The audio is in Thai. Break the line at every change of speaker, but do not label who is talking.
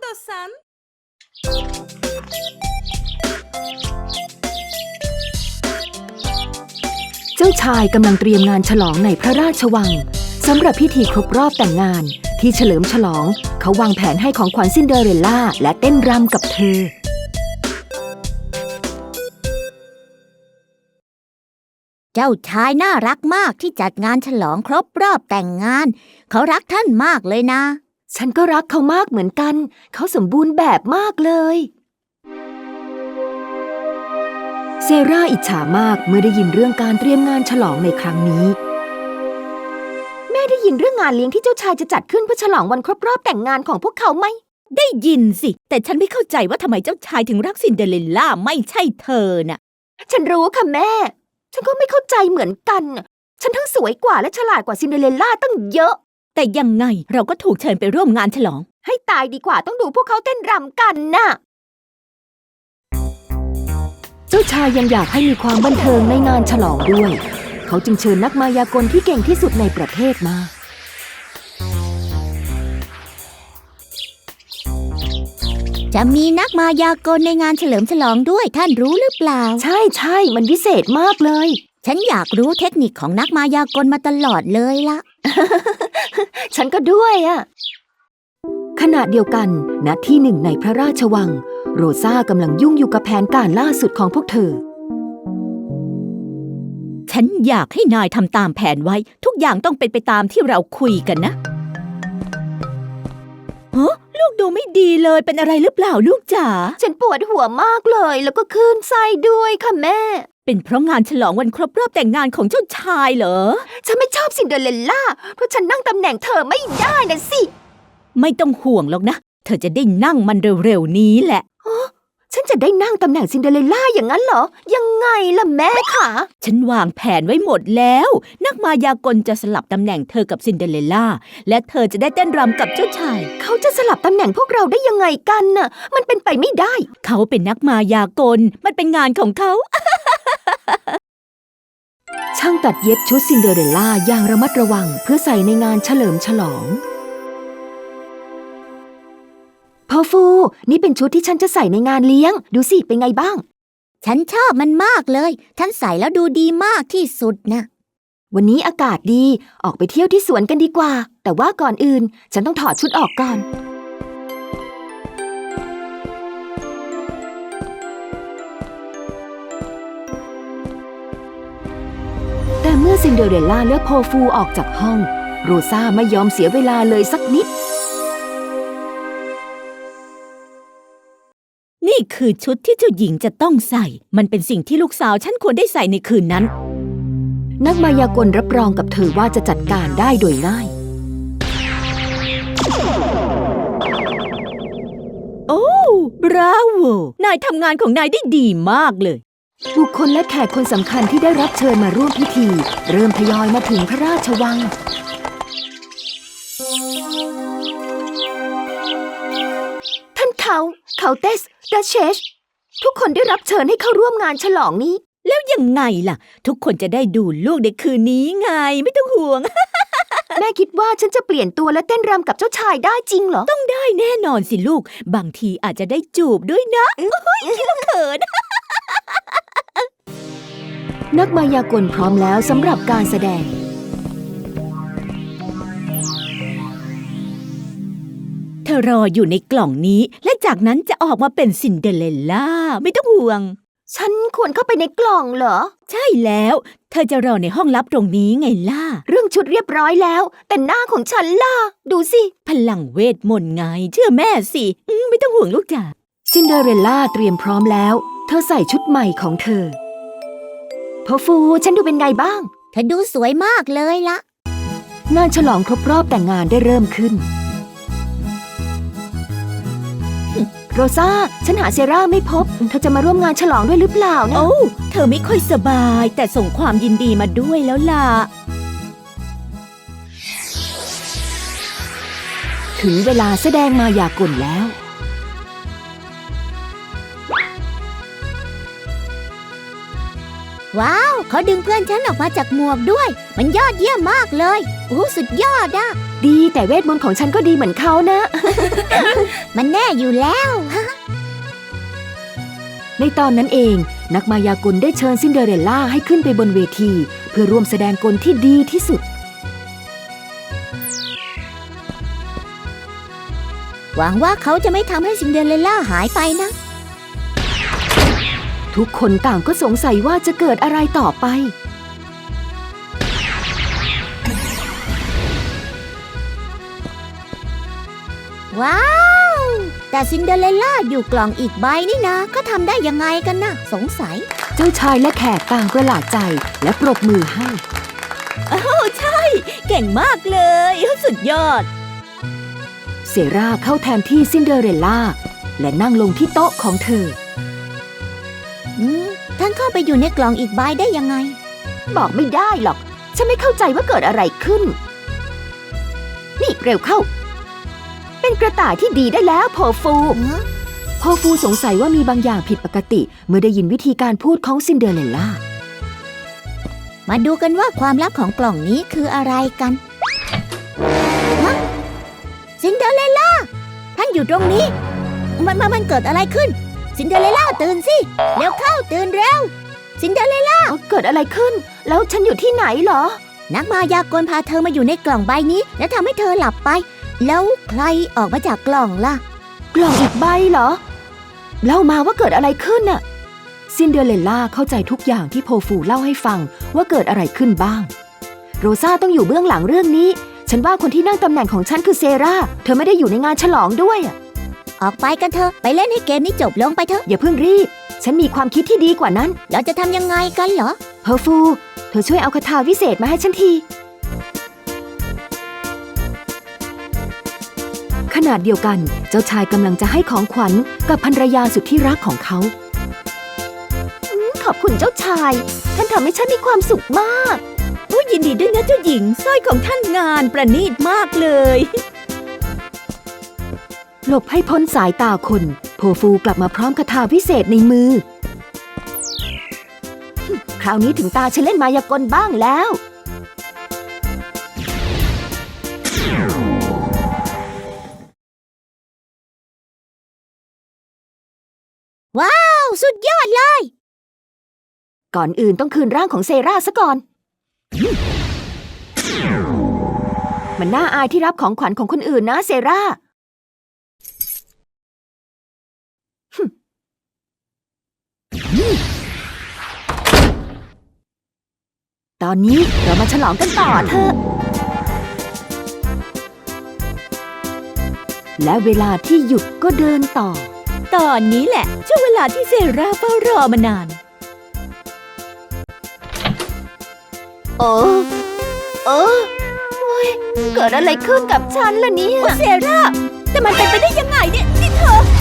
さん
เจ้าชายกำลังเตรียมงานฉลองในพระราชวังสำหรับพิธีครบรอบแต่งงานที่เฉลิมฉลองเขาวางแผนให้ของขวัญซินเดอเรลล่าและเต้นรำกับเธอ
เจ้าชายน่ารักมากที่จัดงานฉลองครบรอบแต่งงานเขารักท่านมากเลยนะ
ฉันก็รักเขามากเหมือนกันเขาสมบูรณ์แบบมากเลยเซราอิจฉามากเมื่อได้ยินเรื่องการเตรียมงานฉลองในครั้งนี้แม่ได้ยินเรื่องงานเลี้ยงที่เจ้าชายจะจัดขึ้นเพื่อฉลองวันครบรอบแต่งงานของพวกเขาไหม
ได้ยินสิแต่ฉันไม่เข้าใจว่าทำไมเจ้าชายถึงรักซินเดอเรลล่าไม่ใช่เธอน่ะ
ฉันรู้ค่ะแม่ฉันก็ไม่เข้าใจเหมือนกันฉันทั้งสวยกว่าและฉลาดกว่าซินเดอเรลล่าตั้งเยอะ
แต่ยังไงเราก็ถูกเชิญไปร่วมงานฉลอง
ให้ตายดีกว่าต้องดูพวกเขาเต้นรำกันน่ะเจ้าชายยังอยากให้มีความบันเทิงในงานฉลองด้วยเขาจึงเชิญนักมายากลที่เก่งที่สุดในประเทศมา
จะมีนักมายากลในงานเฉลิมฉลองด้วยท่านรู้หรือเปล่า
ใช่มันวิเศษมากเลย
ฉันอยากรู้เทคนิคของนักมายากลมาตลอดเลยล่ะ
ฉันก็ด้วยอะขณะเดียวกันณที่หนึ่งในพระราชวังโรซ่ากำลังยุ่งอยู่กับแผนการล่าสุดของพวกเธอ
ฉันอยากให้นายทำตามแผนไว้ทุกอย่างต้องเป็นไปตามที่เราคุยกันนะลูกดูไม่ดีเลยเป็นอะไรหรือเปล่าลูกจ๋า
ฉันปวดหัวมากเลยแล้วก็คลื่นไส้ด้วยค่ะแม่
เป็นเพราะงานฉลองวันครบรอบแต่งงานของเจ้าชายเหรอ
ฉันไม่ชอบซินเดอเรลล่าเพราะฉันนั่งตำแหน่งเธอไม่ได้นะสิ
ไม่ต้องห่วงหรอกนะเธอจะได้นั่งมันเร็วๆนี้แหละ
ฉันจะได้นั่งตำแหน่งซินเดอเรลล่าอย่างนั้นเหรอยังไงล่ะแม่คะ
ฉันวางแผนไว้หมดแล้วนักมายากลจะสลับตำแหน่งเธอกับซินเดอเรลล่าและเธอจะได้เต้นรำกับเจ้าชาย
เขาจะสลับตำแหน่งพวกเราได้ยังไงกันน่ะมันเป็นไปไม่ได้
เขาเป็นนักมายากลมันเป็นงานของเขา
ช่างตัดเย็บชุดซินเดอเรลล่าอย่างระมัดระวังเพื่อใส่ในงานเฉลิมฉลองพ่อฟูนี่เป็นชุดที่ฉันจะใส่ในงานเลี้ยงดูสิเป็นไงบ้าง
ฉันชอบมันมากเลยท่านใส่แล้วดูดีมากที่สุดนะ
วันนี้อากาศดีออกไปเที่ยวที่สวนกันดีกว่าแต่ว่าก่อนอื่นฉันต้องถอดชุดออกก่อนแต่เมื่อซินเดอเรลล่าเลือกโพฟูออกจากห้องโรซ่าไม่ยอมเสียเวลาเลยสักนิด
นี่คือชุดที่เจ้าหญิงจะต้องใส่มันเป็นสิ่งที่ลูกสาวฉันควรได้ใส่ในคืนนั้น
นักมายากลรับรองกับเธอว่าจะจัดการได้โดยง่าย
โอ้บราโวนายทำงานของนายได้ดีมากเลย
บุคคลและแขกคนสำคัญที่ได้รับเชิญมาร่วมพิธีเริ่มทยอยมาถึงพระราชวังท่านเขาเตสดัชเชสทุกคนได้รับเชิญให้เข้าร่วมงานฉลองนี้
แล้วยังไงล่ะทุกคนจะได้ดูลูกในคืนนี้ไงไม่ต้องห่วง
แม่คิดว่าฉันจะเปลี่ยนตัวและเต้นรำกับเจ้าชายได้จริงเหรอ
ต้องได้แน่นอนสิลูกบางทีอาจจะได้จูบด้วยนะคิดว่าเขิน
นักมายากลพร้อมแล้วสำหรับการแสดง
เธอรออยู่ในกล่องนี้และจากนั้นจะออกมาเป็นซินเดอเรลล่าไม่ต้องห่วง
ฉันควรเข้าไปในกล่องเหรอ
ใช่แล้วเธอจะรอในห้องลับตรงนี้ไงล่ะ
เรื่องชุดเรียบร้อยแล้วแต่หน้าของฉันล่ะดูสิ
พลังเวทมนต์ไงเชื่อแม่สิไม่ต้องห่วงลูกจ๋า
ซินเดอเรลล่าเตรียมพร้อมแล้วเธอใส่ชุดใหม่ของเธอพ่อฟูฉันดูเป็นไงบ้าง
เธอดูสวยมากเลยล่ะ
งานฉลองครบรอบแต่งงานได้เริ่มขึ้นโรซ่าฉันหาเซราไม่พบเธอจะมาร่วมงานฉลองด้วยหรือเปล่านะ
โอ้เธอไม่ค่อยสบายแต่ส่งความยินดีมาด้วยแล้วล่ะ
ถึงเวลาแสดงมายากลแล้ว
ว้าวเขาดึงเพื่อนฉันออกมาจากหมวกด้วยมันยอดเยี่ยมมากเลยโอ้สุดยอดอะ
ดีแต่เวทมนต์ของฉันก็ดีเหมือนเขานะ
มันแน่อยู่แล้ว
ในตอนนั้นเองนักมายากลได้เชิญซินเดอเรลล่าให้ขึ้นไปบนเวทีเพื่อร่วมแสดงกลที่ดีที่สุด
หวังว่าเขาจะไม่ทำให้ซินเดอเรลล่าหายไปนะ
ทุกคนต่างก็สงสัยว่าจะเกิดอะไรต่อไป
ว้าว แต่ซินเดอเรลล่าอยู่กล่องอีกใบนี่นะเขาทำได้ยังไงกันนะสงสัย
เจ้าชายและแขกต่างประหลาดใจและปรบมือให้
โอ้ใช่ เก่งมากเลย สุดยอด
เซราเข้าแทนที่ซินเดอเรลล่าและนั่งลงที่โต๊ะของเธอ
ท่านเข้าไปอยู่ในกล่องอีกใบได้ยังไง
บอกไม่ได้หรอก ฉันไม่เข้าใจว่าเกิดอะไรขึ้น นี่เร็วเข้า เป็นกระต่ายที่ดีได้แล้วโพฟูโพฟูสงสัยว่ามีบางอย่างผิดปกติเมื่อได้ยินวิธีการพูดของซินเดอเรลล่า
มาดูกันว่าความลับของกล่องนี้คืออะไรกันฮะซินเดอเรลล่าท่านอยู่ตรงนี้ มันเกิดอะไรขึ้น ซินเดอเรลล่าตื่นสิเร็วเข้าตื่นเร็วซินเดอเรลล่า
เกิดอะไรขึ้น แล้วฉันอยู่ที่ไหนเหรอ
นักมายากลพาเธอมาอยู่ในกล่องใบนี้ และทำให้เธอหลับไป แล้วใครออกมาจากกล่องล่ะ
กล่องอีกใบเหรอ เล่ามาว่าเกิดอะไรขึ้นน่ะ ซินเดอเรลล่าเข้าใจทุกอย่างที่โพฟูเล่าให้ฟังว่าเกิดอะไรขึ้นบ้าง โรซาต้องอยู่เบื้องหลังเรื่องนี้ ฉันว่าคนที่นั่งตำแหน่งของฉันคือเซราเธอไม่ได้อยู่ในงานฉลองด้วยอะ
ออกไปกันเถอะไปเล่นให้เกมนี้จบลงไปเถอะ
อย่าเพิ่งรีบ ฉันมีความคิดที่ดีกว่านั้น
เราจะทำยังไงกันเหรอ
เพอร์ฟู เธอช่วยเอาคาถาวิเศษมาให้ฉันที ขนาดเดียวกัน เจ้าชายกำลังจะให้ของขวัญกับภรรยาสุดที่รักของเขาขอบคุณเจ้าชาย ท่านทำให้ฉันมีความสุขมาก
ยินดีด้วยนะเจ้าหญิงสร้อยของท่านงานประณีตมากเลย
หลบให้พ้นสายตาคน โพฟูกลับมาพร้อมคาถาวิเศษในมือ คราวนี้ถึงตาฉันเล่นมายากลบ้างแล้ว
ว้าวสุดยอดเลย
ก่อนอื่นต้องคืนร่างของเซราซะก่อน มันน่าอายที่รับของขวัญของคนอื่นนะเซราตอนนี้เรามาฉลองกันต่อเถอะ และเวลาที่หยุดก็เดินต่อ
ตอนนี้แหละช่วงเวลาที่เซราเฝ้ารอมานาน
โอ้โอ้ยเกิดอะไรขึ้นกับฉันล่ะเนี่ย
เซราแต่มันเป็นไปได้ยังไงเนี่ยนี่เธอ